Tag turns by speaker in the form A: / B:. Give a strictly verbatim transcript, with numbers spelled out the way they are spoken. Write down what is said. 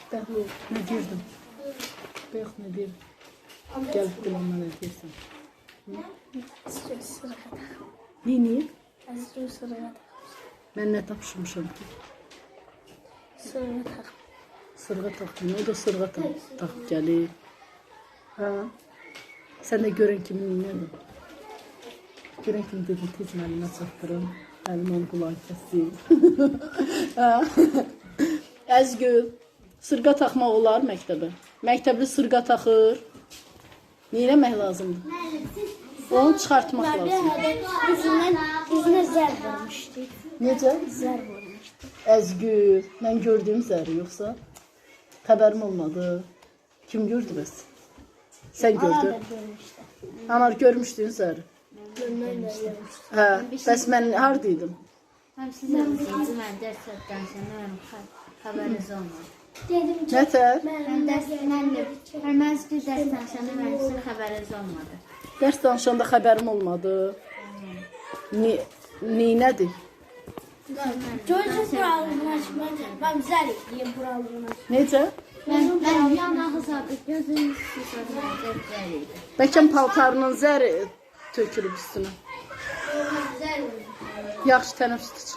A: Bəli, nə deyirdim? Bəx, nə deyirdim? Gəlib qulağına nə deyirsən? Nini? Mən nə tapışmışam ki?
B: Sırğa tax.
A: Sırğa taxdım, o da sırğa taxıb gəlir. Hə? Sən də görən kimi neyədir? Görən kimi dedim, tez məlimə çatdırım. Əlim onu qulağı kəsdim. Əzgül, sırğa taxmaq olar məktəbə. Məktəbli sırğa taxır. Neyləmək lazımdır? Onu çıxartmaq lazımdır.
B: Üzünə zər vurmuşdu.
A: Necə?
B: Zər vurmuşdu.
A: Əzgül, mən gördüyüm zəri yoxsa? Xəbərim olmadı. Kim gördü bəs? Sən gördün. Anar, görmüşdün zəri. Hə, bəs mən haradaydım?
C: Mən sizin ikinci mən dərs danışanda mənim xəbəriniz olmadı.
B: Dedim ki,
A: Nətər?
C: Mən dərs mən də mən sizin dərs danışanda mənim sizin xəbəriniz olmadı.
A: Dərs danışanda xəbərim olmadı. Ni, ni nədir?
B: çocuk buralığını açmak. Ben zər edeyim buralığını açmak.
A: Necə?
C: Mən mən yanağı sadı gözüm sıçradı idi.
A: Bəlkə paltarının zəri tökülüb üstünə.
B: Zər vurmuşdu.
A: Yaxşı, tənəffüs iç.